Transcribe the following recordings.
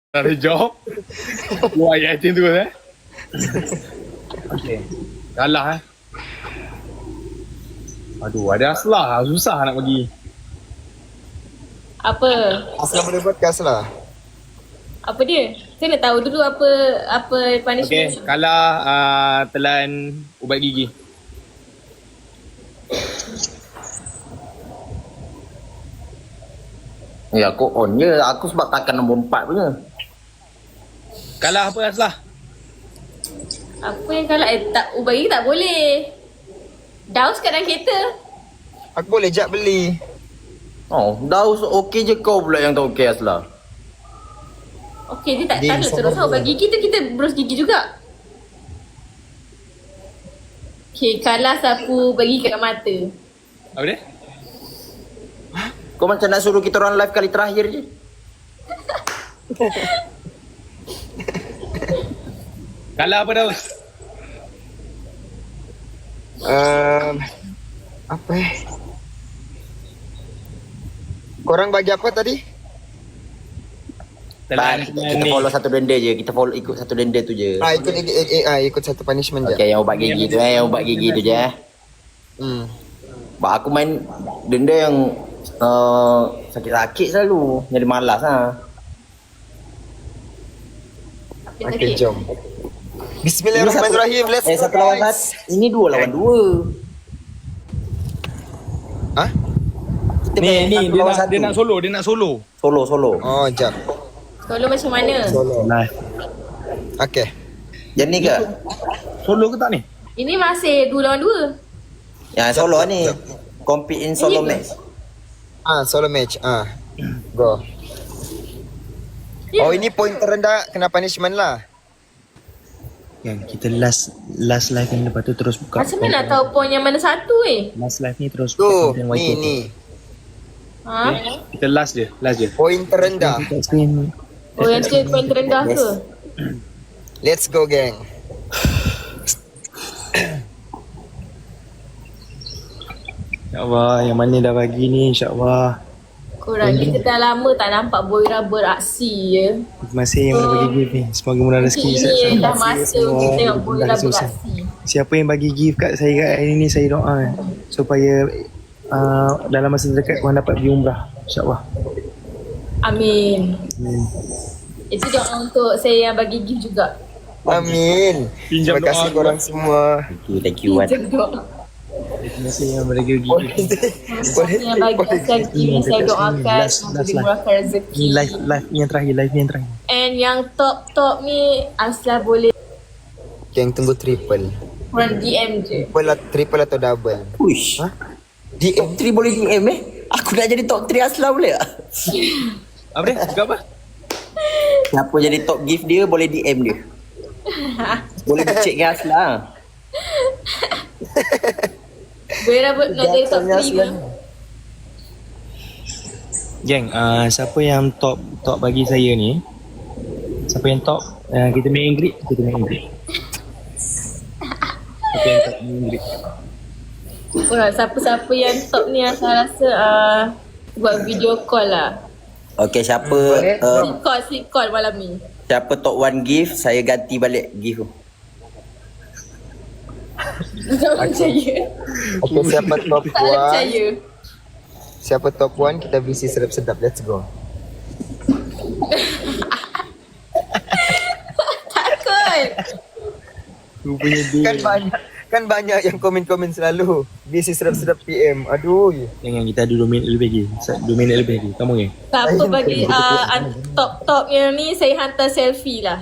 Ada job. Wah, yakin tu Okay. Kalah Aduh, ada Aslah. Susah nak bagi. Apa? Asal boleh podcast lah. Apa dia? Saya nak tahu dulu apa Okay, punishment. kalah telan ubat gigi. Ya aku on je. Aku sebab takkan nombor 4 punya. Kalah apa Aslah? Apa yang kalah? Tak, ubat gigi tak boleh. Daus kat dalam kereta. Aku boleh jap beli. Oh, Daus okey je, kau pula yang tak okey Aslah. Okey, dia tak Dia tak sama terus dia. ubat gigi tu kita berus gigi juga. Okey, kalah sapu bagi kat mata. Apa dia? Kau macam nak suruh kita orang live kali terakhir je. Kalah apa Daus? Apa Korang bagi apa tadi? Telan Kita ni. follow satu denda je. Kita follow ikut satu denda tu je. Ikut satu punishment je. Okey, yang ubat gigi tu yang ubat gigi tu je Sebab aku main denda yang sakit-sakit selalu. Jadi malas lah. Okay, jom. Bismillahirrahmanirrahim. Let's go, satu lawan guys. satu. Ini 2 lawan 2. Hah? Kita Ni main satu dia lawan nak, satu. dia nak solo, dia nak solo. Solo. Oh, jap. Solo macam mana? Solo. Nah, Okay. Yang ni ke? solo ke tak ni? Ini masih 2 lawan 2. Yang solo ni. Compete in solo Ini ke? match. Solo match. Go. Oh, ini poin terendah kena punishment lah. Kan kita last live ni, lepas tu terus buka. Macam mana nak tahu poin yang mana satu Last live ni terus Tu, buka content ni YT. ni. Ha? Kita last je. Poin terendah. Kat screen. Oh yang tu poin terendah ke? Let's go, gang. InsyaAllah yang mana dah bagi ni, insyaAllah. Korang ni kita dah lama tak nampak Boira beraksi ya. Terima kasih yang mana bagi gift ni. Semoga murah rezeki. Ini dah masa kita tengok Boira beraksi. Siapa yang bagi gift kat saya kat hari ni, saya doa supaya dalam masa terdekat korang dapat pergi umrah, insyaAllah. Amin. Itu doa untuk saya yang bagi gift juga. Amin. Pinjam Terima kasih doa. korang semua. Thank you Wan. Pinjam doa. Terima kasih yang bagi gift. Boleh Yang bagi saya gift saya doakan Last semoga live. dimurahkan rezeki. Ni live ni yang terakhir, live ni yang terakhir. And yang top ni Aslah boleh Gang tunggu triple. korang DM je. Triple atau double? Push. Ha? Top 3 boleh DM Aku nak jadi top 3 Aslah boleh tak? Apa dia? Cakap apa? Siapa jadi top gift dia boleh DM dia. Boleh dicek dengan Aslah. Boira nak jadi top 3 ke? Geng, siapa yang top bagi saya ni? Siapa yang top? Kita main Ingrid, kita main Ingrid. Siapa yang top main Ingrid? Korang siapa-siapa yang top ni Aslah rasa buat video call lah. Okay, siapa Sleep call malam ni. siapa top 1 gift, saya ganti balik gift tu. Tak percaya. Okay, siapa top Tak percaya. 1? Siapa top 1? Kita visi sedap-sedap. Let's go. Takut. Rupanya dia. Kan banyak yang komen-komen selalu. Visi sedap-sedap PM. Aduh. Jangan, kita ada 2 minit lebih lagi. 2 minit lebih lagi. Kamu ni. Siapa bagi top yang ni saya hantar selfie lah.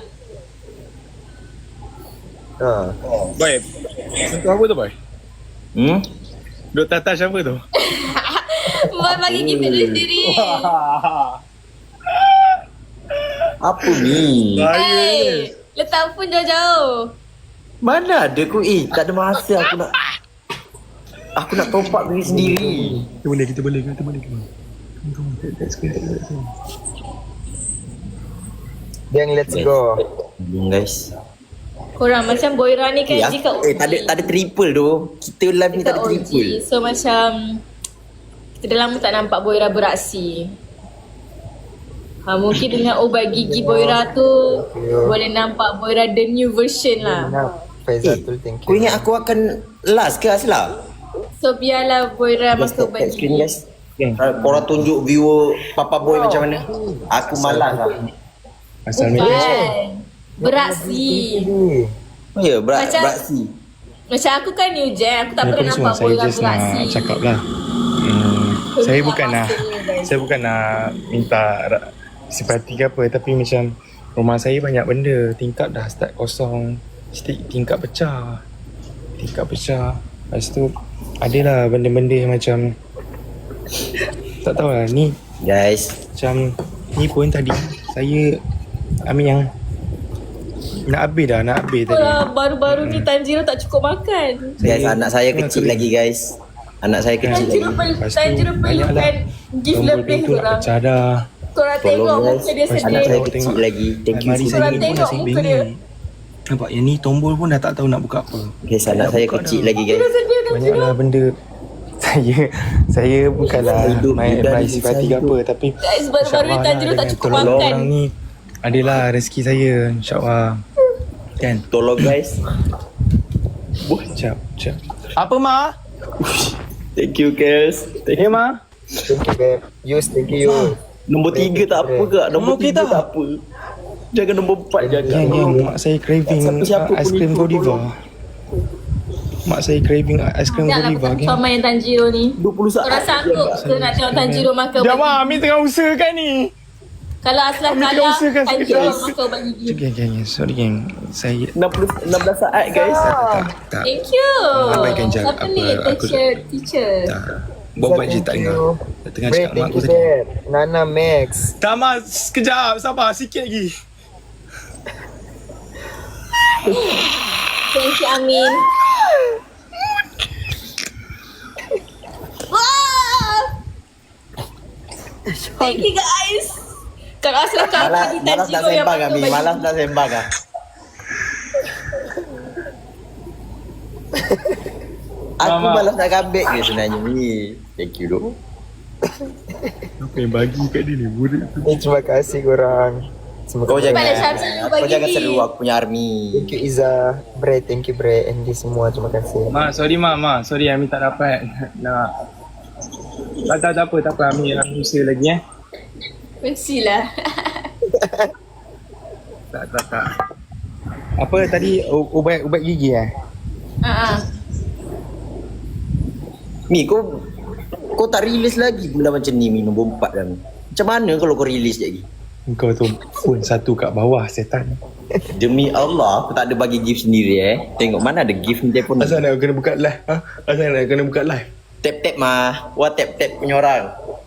Boy. Itu apa tu, Boy? Duk touch apa tu? Boy bagi kita sendiri. Apa ni? Hey, letak pun jauh-jauh. Mana ada aku? Tak ada masa aku nak top up diri sendiri. Kita boleh. Come on, that's good. Gang, let's go. Guys. Korang macam Boira ni kan dia kat OG. Tak ada triple tu. Kita live ni tak ada Kat OG. triple. So macam kita dah lama tak nampak Boira beraksi. Mungkin dengan ubat gigi Boira tu boleh nampak Boira the new version lah. Faizatul, thank Kau you. ingat aku akan last ke Asla? So biarlah Boira Just masuk ubat tap screen gigi. guys. Korang tunjuk viewer Papa Boy macam mana. Aku malas lah. Asal ni Bukan. Beraksi. Oh ya, Macam- beraksi. Macam aku kan new gen, aku tak Ni pernah pun semua nampak saya Boira just nak beraksi. cakap lah. Saya bukan nak saya bukan nak minta simpati ke apa, tapi macam rumah saya banyak benda, tingkap dah start kosong, tingkap pecah. Lepas tu adalah benda-benda yang macam tak tahulah ni Guys, macam ni pun tadi saya ambil yang nak habis tadi. Baru-baru ni Tanjiro tak cukup makan. guys, anak saya kecil lagi guys. Anak saya kecil Tanjiro lagi. Lepas tu, Tanjiro banyaklah perlukan gift tombol lebih pintu nak korang. pecah dah. Korang tengok Tolong guys, muka dia Lepas tu anak sedih. saya kecil lagi. Thank you. Almari Fuzi. saya Korang ni pun tengok dah saya muka dia. bingit. Nampak yang ni tombol pun dah tak tahu nak buka apa. Guys, anak saya kecil lagi guys. Dia sedih Tanjiro. Banyaklah benda saya bukanlah Hidup main muda advice ni, simpati ke saya apa, tapi Guys, baru-baru ni insyaAllah Tanjiro tak dengan cukup tolong makan. orang ni adalah rezeki saya, insyaAllah. Kan? Tolong guys. Jap. Apa Ma? Thank you guys. Eh Ma? Thank you, babe. Yus, thank you. Nombor 3 tak apa ke? Nombor Okey 3 tak? tak apa. Jangan nombor 4 jangan. Yang mak saya craving Siapa-siapa pun aiskrim ikut, Godiva. tolong. Mak saya craving aiskrim Sekejap lah Godiva aku kan? sama yang Tanjiro ni. 20 saat. Korang sanggup ke nak tengok Tanjiro makan ubat Jom gigi? Ma, Amin tengah usahakan ni. Kalau Aslah Ambil kalah, usahakan Tanjiro sekejap. makan ubat gigi. Geng, sorry geng. Saya 16 saat guys. tak. Thank you. Abaikan je Siapa apa ni? aku- Teacher. Buat je tak dengar. Dah tengah Bre, cakap mak thank aku you, tadi. babe. Nana Max. Tak Ma, sekejap. Sabar sikit lagi. Thank you Amin. Wow. Thank you guys. Kalau Aslah kalah Malas di nak Tanjiro yang sembang makan kami. ubat Malas gigi. nak sembang ah. Aku Mama. malas nak kambing ke sebenarnya ni. Thank you doh. Apa yang bagi kat dia ni? Burik tu. Terima kasih korang. Kau jangan Pada Syamsi kau bagi jangan ni. seru aku punya army. Thank you Iza. Bre, thank you Bre. Andy semua, terima kasih. Ma, sorry Ma. Sorry Amin tak dapat nak. Tak apa. Amin usaha lagi Mestilah. Tak. Apa tadi ubat gigi Mi kau tak release lagi benda macam ni Mi nombor 4 dah Mi. Macam mana kalau kau release lagi? Kau tu pun satu kat bawah setan. Demi Allah aku tak ada bagi gift sendiri Tengok mana ada gift ni telefon. Asal nak kena buka live? Asal nak kena buka live? Tap mah. Wah tap punya orang.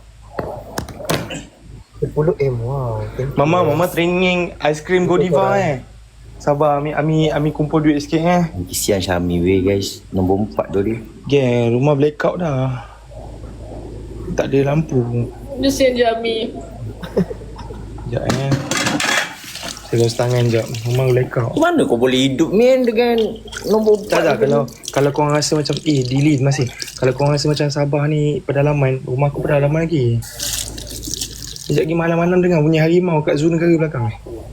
10M, wow. Thank you. Mama training aiskrim Godiva Sabar Ami kumpul duit sikit Kesian Syami weh guys. Nombor 4 tu dia. Geng, rumah blackout dah. Tak ada lampu. Kesian je Amin. Sekejap Saya los tangan sekejap. Rumah blackout. Macam mana kau boleh hidup man dengan nombor 4? Tak, kalau korang rasa macam delete masih. Kalau korang rasa macam Sabah ni pedalaman, rumah aku pedalaman lagi. Sekejap lagi malam-malam dengar bunyi harimau kat zoo negara belakang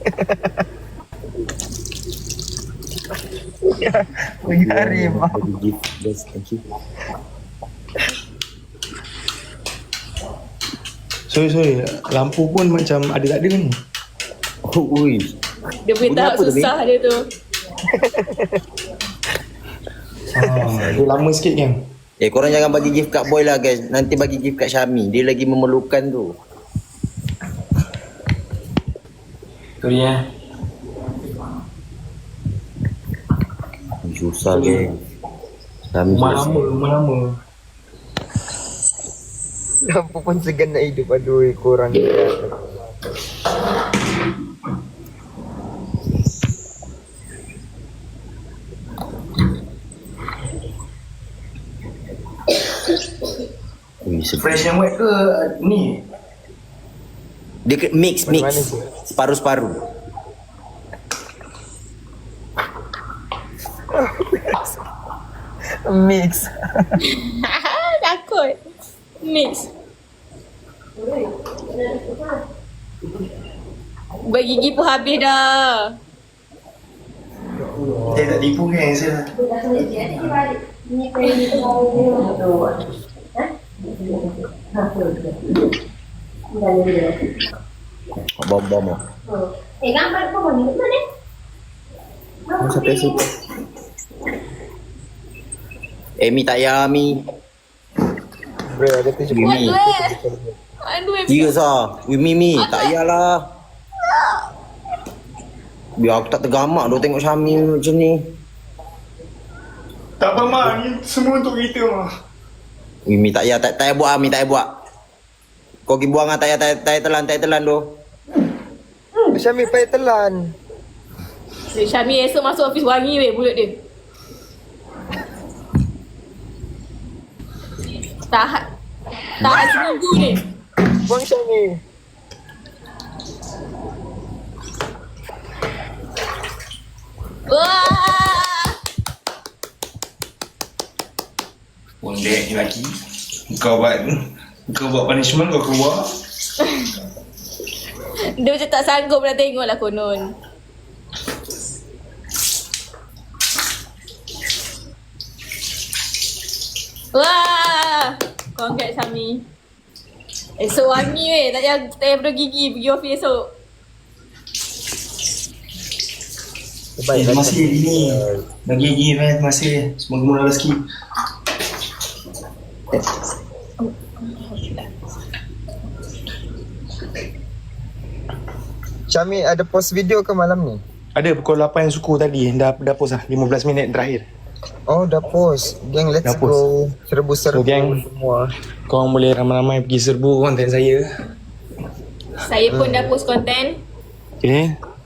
Bunyi harimau. Gift guys. Thank you. Sorry, lampu pun macam ada tak ada ni. Ui. Dia punya Bunyi tahap apa tu, susah dia tu. Dia lama sikit kan. Korang jangan bagi gift kat boy lah guys. Nanti bagi gift kat Syami. Dia lagi memerlukan tu. Sorry Susah guys. Syami susah. Rumah lama. Lampu pun segan nak hidup. Aduh, korang ni. Ui, Fresh and wet ke ni? dia mix. Mana tu? Separuh-separuh. Mix. Takut. Mix. Bergigi pun habis dah. Tak tipu kan saya. Bom-bom. Gambar pun ni mana? Sampai situ. Mi tak ya Mi. Bro, ada 70 Mi. Aduh, Tiga sah. Mi tak yalah. Biar aku tak tergamak duk tengok Syami macam ni. Tak apa mak, ni semua untuk kita mak. Mi tak ya, tak payah buat Mi, tak payah buat. Kau pergi buang ah, tak payah telan tu. Syami payah telan. Syami esok masuk office wangi weh mulut dia. Tahan seminggu ni. Buang Syami. Wah! Bondek ni lagi. Kau buat punishment kau keluar. Dia macam tak sanggup nak tengok lah konon. Wah! Congrats Syami. Esok wangi weh. Tak payah berus gigi. Pergi office esok. Baik, Terima kasih ini. Bagi man, terima kasih. Semoga murah rezeki. Syami ada post video ke malam ni? Ada pukul 8 suku tadi. Dah post lah. 15 minit terakhir. Oh, dah post. Gang, let's Dah post. go. Serbu-serbu So, gang. semua. Korang boleh ramai-ramai pergi serbu konten saya. Saya pun dah post konten. Okay.